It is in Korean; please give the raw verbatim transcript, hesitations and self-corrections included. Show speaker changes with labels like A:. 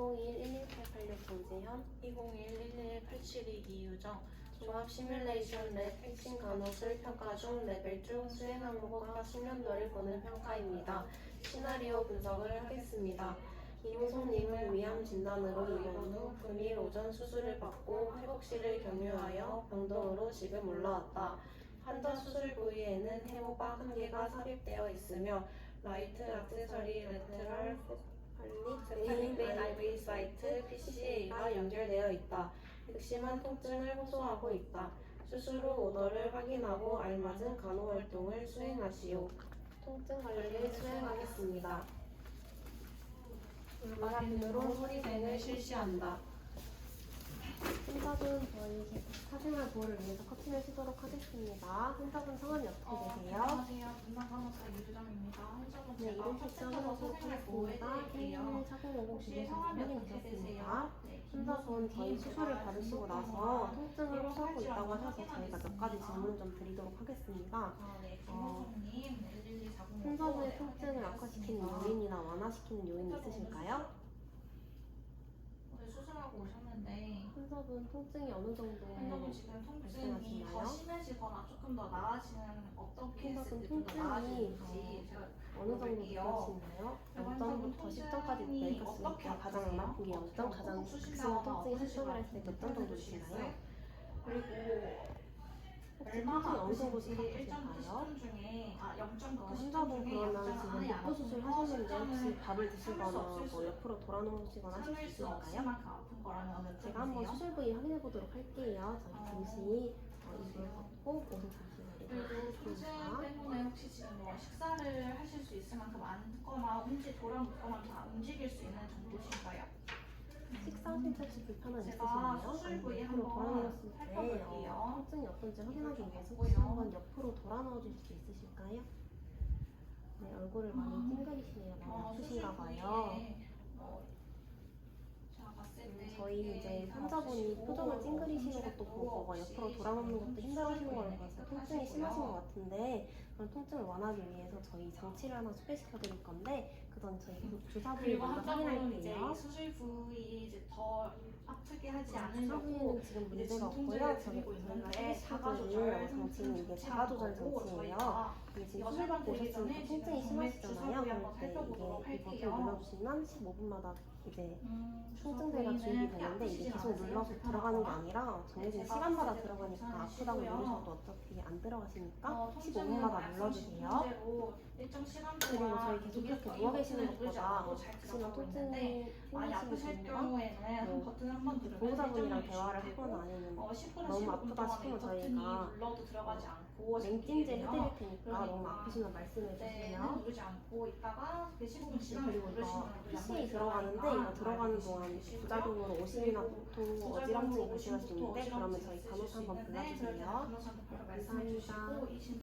A: 이공이일 일일팔팔육 김재현,
B: 이공이일 일일팔칠이 이유정.
A: 종합 시뮬레이션 랩 핵심 간호술 평가 중 레벨 중 수행 항목과 숙련도를 보는 평가입니다. 시나리오 분석을 하겠습니다. 이무송님은 위암 진단으로 입원 후 금일 오전 수술을 받고 회복실을 경유하여 병동으로 지금 올라왔다. 환자 수술 부위에는 해모박 한 개가 삽입되어 있으며 라이트 액세서리 레테럴 세팔릭 및 아이브이 사이트 피씨에이가 연결되어 있다. 극심한 통증을 호소하고 있다. 수술 후 오더를 확인하고 알맞은 간호활동을 수행하시오. 통증 관리를 수행하겠습니다. 울바라핀으로 소리뱅을 실시한다. 환자분 저희 사생활 보호를 위해서 커튼을 쓰도록 하겠습니다. 환자분 성함이 어떻게
B: 어,
A: 되세요?
B: 안녕하세요. 분당간호사 이유정입니다. 환자분
A: 네,
B: 제가
A: 이름 측정하도록 하겠습니다. 일일일 사공오공
B: 혹시 성함이
A: 확인
B: 어떻게
A: 드렸습니다.
B: 되세요? 네,
A: 환자분 저희 수술을 받으시고 나서 통증을 호소하고 있다고 하셔서 저희가 몇 가지
B: 확인하겠습니다.
A: 질문 좀 드리도록 하겠습니다.
B: 아, 네, 김호성님 일일이 사공오공
A: 환자분의 통증을 악화시키는 요인이나 완화시키는 요인이 있으실까요?
B: 오늘 수술하고 오셨는데
A: 환자분 통증이 어느 정도
B: 환자분 지금 통증이
A: 말씀하시나요?
B: 더 심해지거나 조금 더 나아지는 어떤 케이스
A: 환자분
B: 때좀 더
A: 통증이
B: 나아지는지 제가
A: 어느 정도
B: 물어볼게요.
A: 느껴지나요?
B: 그리고
A: 영 점부터 십 점까지
B: 통증이
A: 매겼으니까
B: 어떻게
A: 가장
B: 아프세요?
A: 나쁜 게 영 점, 가장
B: 어,
A: 극심한
B: 수신다거나
A: 통증이 십 점을
B: 어떠시거나
A: 했을 때 몇 점 정도 주시나요?
B: 그리고
A: 혹시
B: 얼마나
A: 통증이 어느 정도
B: 아프신지 일 점부터
A: 심각하실까요?
B: 십 점 중에 아 영 점부터 십 점
A: 환자분
B: 중에
A: 그러면
B: 영 점
A: 지금
B: 안에 안
A: 복부 수술
B: 아픈 거,
A: 하시는데
B: 십 점은
A: 혹시 밥을
B: 참을 수
A: 드시거나
B: 없을
A: 뭐
B: 수
A: 옆으로 돌아누우시거나 하실 수
B: 참을 수 없을
A: 있으실까요?
B: 만큼 아픈 거라면 어느
A: 제가 한번
B: 쪽이세요?
A: 수술 부위 확인해 보도록 할게요. 저희
B: 어,
A: 잠시 어, 이불 걷고 옷을 잠시
B: 그리고
A: 내리도록
B: 통증
A: 하겠습니다.
B: 때문에 혹시 지금 뭐 식사를 하실 수 있을 만큼 앉거나 움직 돌아눕거나 다 움직일 수 있는 정도신가요?
A: 식사하실 때 혹시 불편함
B: 제가
A: 있으신가요?
B: 수술 부위
A: 아니면 옆으로
B: 한번
A: 돌아누웠을 때
B: 살펴볼게요.
A: 어, 통증이 어떤지 확인하기
B: 이불 좀
A: 위해서 혹시
B: 걷고요.
A: 한번 옆으로 돌아누워 주실 수 있으실까요? 네, 얼굴을 많이
B: 음.
A: 찡그리시네요. 많이
B: 어,
A: 아프신가
B: 수술
A: 봐요.
B: 부위에 뭐 제가 봤을 때
A: 음, 저희
B: 그게
A: 이제
B: 다
A: 환자분이
B: 없으시고
A: 표정을 찡그리시는 것도
B: 움직임도
A: 보고 막
B: 없이
A: 옆으로 돌아놓는 것도 힘들어하시는 걸
B: 수술
A: 봐서
B: 부위는
A: 통증이 심하신 것
B: 깨끗하시고요.
A: 같은데 그런 통증을 완화하기 위해서 저희 장치를 하나 소개시켜 드릴 건데 그 전 저희 계속 주사 부위
B: 그리고
A: 먼저
B: 환자분 이제
A: 확인할게요.
B: 이 수술 부위 이제 더 아프게 하지
A: 주사
B: 않으려고
A: 부위는 지금
B: 이제
A: 문제가 없고요.
B: 진통제를
A: 저희
B: 드리고
A: 저희가
B: 있는데
A: 소개시켜
B: 자가
A: 드릴
B: 조절
A: 장치는 이게
B: 상태는
A: 자가 조절
B: 좋지 않고
A: 장치예요.
B: 저희가
A: 이게 지금
B: 이거
A: 수술 받고
B: 설명드리기
A: 오셨으니까
B: 전에
A: 통증이
B: 지금 정맥
A: 심하시잖아요.
B: 주사 부위 한번
A: 그럴 때
B: 살펴보도록
A: 이게 이 버튼을
B: 할게요.
A: 눌러주시면 십오 분마다 이제
B: 음,
A: 통증제가
B: 주사
A: 주입이
B: 부위는
A: 되는데 이게
B: 아프시진
A: 계속
B: 않으세요?
A: 눌러서 들어가는 게
B: 불편하거나?
A: 아니라 정해진
B: 제가
A: 시간마다
B: 봤을 때도
A: 들어가니까 아프다고
B: 괜찮으시고요.
A: 누르셔도 어차피 안 들어가시니까
B: 어,
A: 십오
B: 통증은
A: 분마다
B: 약성
A: 눌러주세요.
B: 진통제로 일정 시간
A: 그리고
B: 동안
A: 저희 계속 이렇게
B: 이게
A: 누워 계시는
B: 버튼을 누르지
A: 것보다
B: 않아도 잘
A: 극심한
B: 들어가고 있는데
A: 통증이
B: 많이
A: 생기시는
B: 아프실
A: 분과
B: 경우에는
A: 뭐
B: 버튼 한 번 누르면
A: 보호자분이랑
B: 일정
A: 대화를
B: 유지되고
A: 하거나 아니면
B: 어, 십 분에서
A: 너무
B: 십오 분
A: 아프다
B: 동안 이
A: 싶으면
B: 버튼이
A: 저희가
B: 눌러도 들어가지 않고
A: 냉찜질
B: 되거든요.
A: 해드릴 테니까 너무
B: 그러니까
A: 아프시면 말씀해
B: 그때는
A: 주세요.
B: 누르지 않고 있다가 그 십오 분
A: 네,
B: 지나면
A: 그리고 이거
B: 누르시면
A: 피씨에 들어가는데 이거 들어가는 동안 부작용으로 오심이나 복통, 어지럼증이 발생할 수 있는데 그러면 저희 간호사 한번 불러주세요.
B: 간호사 한번 바로 말씀해 주시고
A: 감사합니다.
B: 이